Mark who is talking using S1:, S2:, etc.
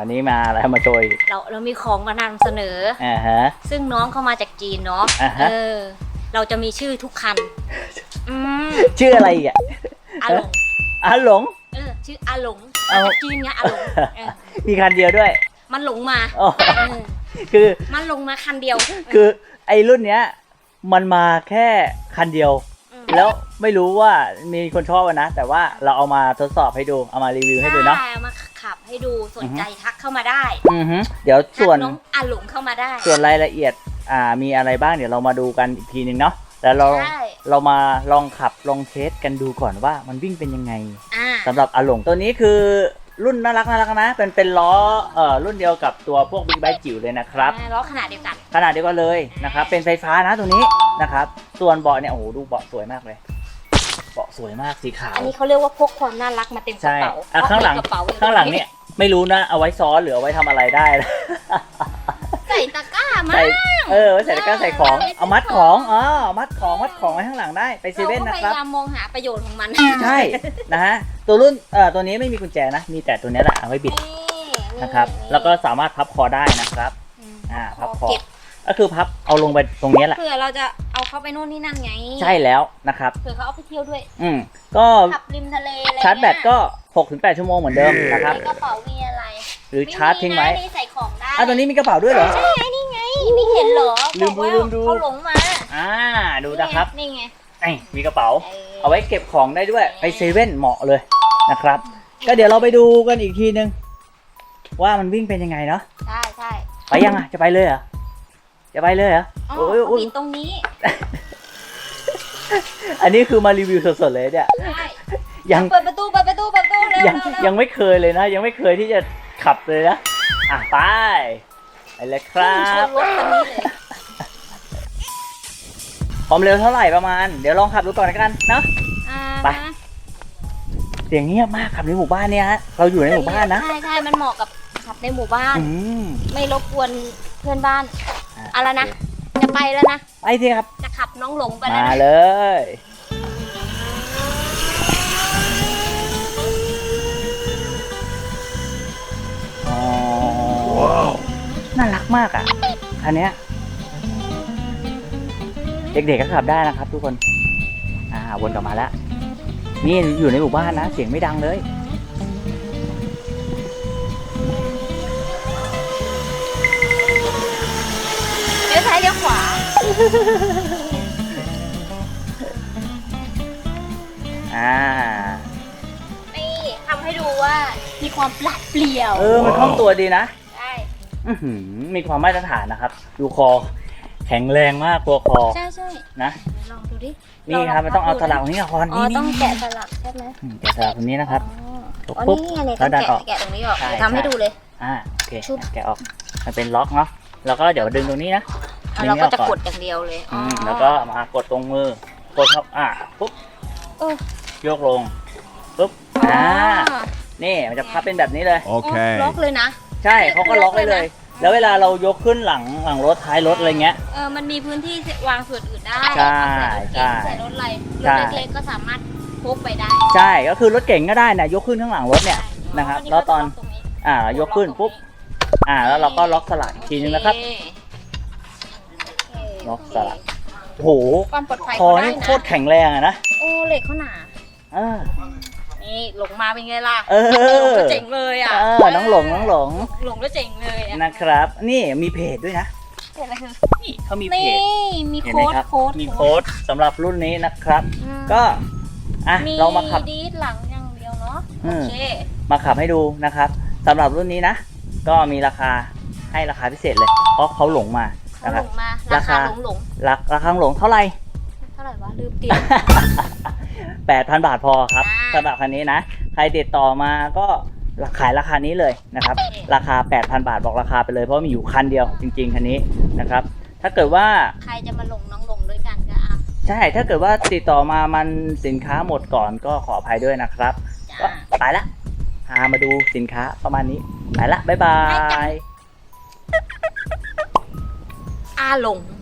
S1: วันนี้มาอะไรมาโชย
S2: เรามีของมานำเสนอ
S1: ฮะ
S2: ซึ่งน้องเข้ามาจากจีนเนาะเราจะมีชื่อทุกคัน
S1: ชื่ออะไรอ่ะ
S2: อาหลงชื่ออาหลงจากจีนไงอาหลง
S1: มีคันเดียวด้วย
S2: มันหลงมา
S1: คือ
S2: มันหลงมาคันเดียว
S1: คือไอ้รุ่นเนี้ยมันมาแค่คันเดียวแล้วไม่รู้ว่ามีคนชอบนะแต่ว่าเราเอามาทดสอบให้ดูเอามารีวิวให้ดูเนาะ
S2: เอามาขับให้ดูสนใจทักเข้ามาได้
S1: เดี๋ยวส่วน
S2: น้องอาหลงเข้ามาได้
S1: ส่วนรายละเอียดมีอะไรบ้างเดี๋ยวเรามาดูกันอีกทีนึงเนาะแล้วเรามาลองขับลองเทสกันดูก่อนว่ามันวิ่งเป็นยังไงสำหรับอาหลงตัวนี้คือรุ่นน่ารักนะเป็นล้อรุ่นเดียวกับตัวพวกบิ๊กไบค์จิ๋วเลยนะครับ
S2: ล้อขนาดเดียวกัน
S1: เลยนะครับเป็นไฟฟ้านะตัวนี้นะครับส่วนเบาะเนี่ยโอ้โหดูเบาะสวยมากเลยเบาะสวยมากสีขาว
S2: อันนี้เขาเรียกว่าพกความน่ารักมาเต็มกระเป๋า
S1: ข้างหลังเนี่ยไม่รู้นะเอาไว้ซ้อนหรือเอาไว้ทำอะไรได้
S2: ใส่ตะกร้ามา
S1: ไว้ใส่ตะกร้าใส่ของเอามัดของมัดของไว้ข้างหลังได้ไปเซเว่นนะครับ
S2: พยายามมองหาประโยชน์ของมัน
S1: ใช่นะฮะตัวรุ่นตัวนี้ไม่มีกุญแจนะมีแต่ตัวนี้แหละเอาไว้บิดนะครับแล้วก็สามารถพับคอได้นะครับพับคอก็คือพับเอาลงไปตรงนี้แหละ
S2: เผื่อเราจะเอาเข้าไปโน่นนี่นั่นไง
S1: ใช่แล้วนะครับ
S2: เผื่อเขาเอาไปเที่ยวด้วย
S1: ก็
S2: ขับริมทะเลอะไร
S1: ชาร์จแบตก็ 6-8 ชั่วโมงเหมือนเดิมนะครับ
S2: กระเป๋ามีอะไร
S1: หรือชาร์จทิ้งไว้
S2: นี่ใส่ของได้
S1: ตัวนี้มีกระเป๋าด้วยเหรอ
S2: ใช่นี่ไงไม่เห็นเหรอ
S1: ลืมดู
S2: เขาหลงมา
S1: ดูนะครับ
S2: นี่ไง
S1: มีกระเป๋าเอาไว้เก็บของได้ด้วยไปเซเว่นเหมาะเลยนะครับก็เดี๋ยวเราไปดูกันอีกทีนึงว่ามันวิ่งเป็นยังไงเนาะ
S2: ใช่
S1: ไปยังจะไปเลยเหรอ
S2: ผิดตรงนี้
S1: อันนี้คือมารีวิวสดๆเลยเนี่ยยัง
S2: เปิดประตู
S1: ยังไม่เคยเลยนะยังไม่เคยที่จะขับเลยนะไปเลยครับความเร็วเท่าไหร่ประมาณเดี๋ยวลองขับดูก่อนกันเนาะไปเสียงเงียบมากขับในหมู่บ้านเนี่ยฮะเราอยู่ในหมู่บ้านนะ
S2: ใช่มันเหมาะกับขับในหมู่บ้านไม่รบกวนเพื่อนบ้านอะไรนะจะไปแล้วนะ
S1: ไปสิครับ
S2: จะขับน้องหลงไปแล้ว
S1: มาเลยว้าวน่ารักมากคันนี้เด็กๆก็ขับได้นะครับทุกคนวนกลับมาแล้วนี่อยู่ในหมู่บ้านนะเสียงไม่ดังเลย
S2: เลี้ยวซ้ายเลี้ยวขวานี่ทำให้ดูว่ามีความปราดเปรี่ยว
S1: มันคล่องตัวดีนะ
S2: ใช่
S1: มีความมาตรฐานนะครับดูคอแข็งแรงมากตัวคอ
S2: ใช่
S1: นะ
S2: ลองดูดิ
S1: นี่ครับมันต้องเอาสลักนี้ก่อน
S2: ต้องแกะสลักใช่ไหม
S1: แกะสลักตรงนี้นะครับ
S2: ปุ๊บแล้วดันออกแกะตรงนี้ออกทำให้ดูเลย
S1: โอเคแกะออกมันเป็นล็อกเนาะแล้วก็เดี๋ยวดึงตรงนี้นะ
S2: เราก็จะกดอย่างเดียวเลย
S1: แล้วก็มากดตรงมือกดครับปุ๊บยกลงปุ๊บนี่มันจะพับเป็นแบบนี้เลย
S3: โอเค
S2: ล็อกเลยนะ
S1: ใช่เขาก็ล็อกไว้เลยแล้วเวลาเรายกขึ้นหลังรถท้ายรถอะไรเงี้ย
S2: มันมีพื้นที่วางส่วนอื่นได้
S1: ใช่
S2: ใส่รถอะไรรถเล็กๆก็สามารถพกไปได้
S1: ใช่ก็คือรถเก๋งก็ได้นะยกขึ้นข้างหลังรถเนี่ยนะครับแล้วตอนยกขึ้นปุ๊บแล้วเราก็ล็อกสลักอีกทีนึงนะครับล็อกสลักโหคอนี่โคตรแข็งแรงนะ
S2: เหล็กเขาหนานี่หลงมาเป็นไงล่ะเจ๋งเลย
S1: น้องหลง
S2: แล้วเจ๋งเลย
S1: นะครับนี่มีเพจด้วยนะนี่เขามีเพจ
S2: มีโค้ด
S1: สำหรับรุ่นนี้นะครับก็เรามาขับ
S2: ดีดหลังอย่างเดียวเนาะโอเค
S1: มาขับให้ดูนะครับสำหรับรุ่นนี้นะก็มีราคาให้ราคาพิเศษเลยเพราะเขาหลงมานะครับ
S2: ราคาหลง
S1: เท่าไหร่
S2: วะลืมติด
S1: 8,000 บาทพอครับสำหรับคันนี้นะใครติดต่อมาก็ขายราคานี้เลยนะครับราคา 8,000 บาทบอกราคาไปเลยเพราะมีอยู่คันเดียวจริงๆคันนี้นะครับถ้าเกิดว่า
S2: ใครจะมาน้องหลงด้วยกันก็
S1: ใช่ถ้าเกิดว่าติดต่อมามันสินค้าหมดก่อนก็ขออภัยด้วยนะครับก็ไปละพามาดูสินค้าประมาณนี้ไปละบ๊ายบาย
S2: หลง